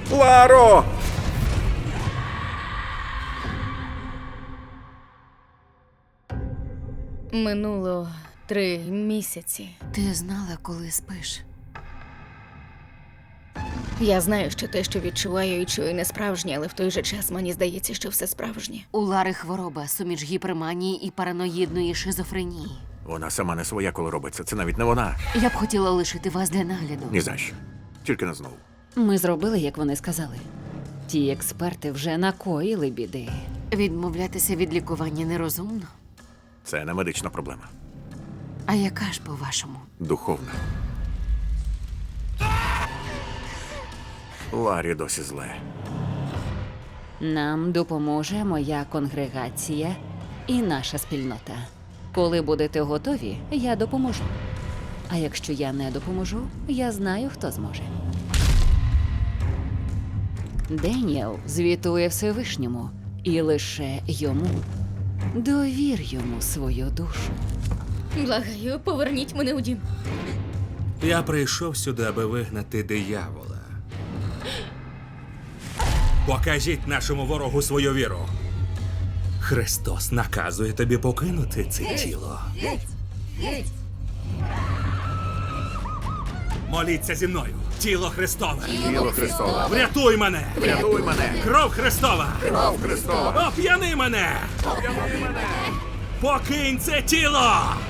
Ларо! Минуло 3 місяці. Ти знала, коли спиш? Я знаю, що те, що відчуваю і чую, не справжнє, але в той же час мені здається, що все справжнє. У Лари хвороба, суміч гіперманії і параноїдної шизофренії. Вона сама не своя, коли робиться. Це навіть не вона. Я б хотіла лишити вас для нагляду. Ні за що. Тільки не знову. Ми зробили, як вони сказали. Ті експерти вже накоїли біди. Відмовлятися від лікування нерозумно. Це не медична проблема. А яка ж, по-вашому? Духовна. Ларі досі зле. Нам допоможе моя конгрегація і наша спільнота. Коли будете готові, я допоможу. А якщо я не допоможу, я знаю, хто зможе. Деніел звітує Всевишньому, і лише йому. Довір йому свою душу. Благаю, поверніть мене у дім. Я прийшов сюди, аби вигнати диявола. Покажіть нашому ворогу свою віру. Христос наказує тобі покинути це тіло. Моліться зі мною. Тіло Христове. Тіло Христове. Врятуй мене. Врятуй мене. Кров Христова. Кров Христова. Оп'яни мене. Оп'яни мене. Покинь це тіло.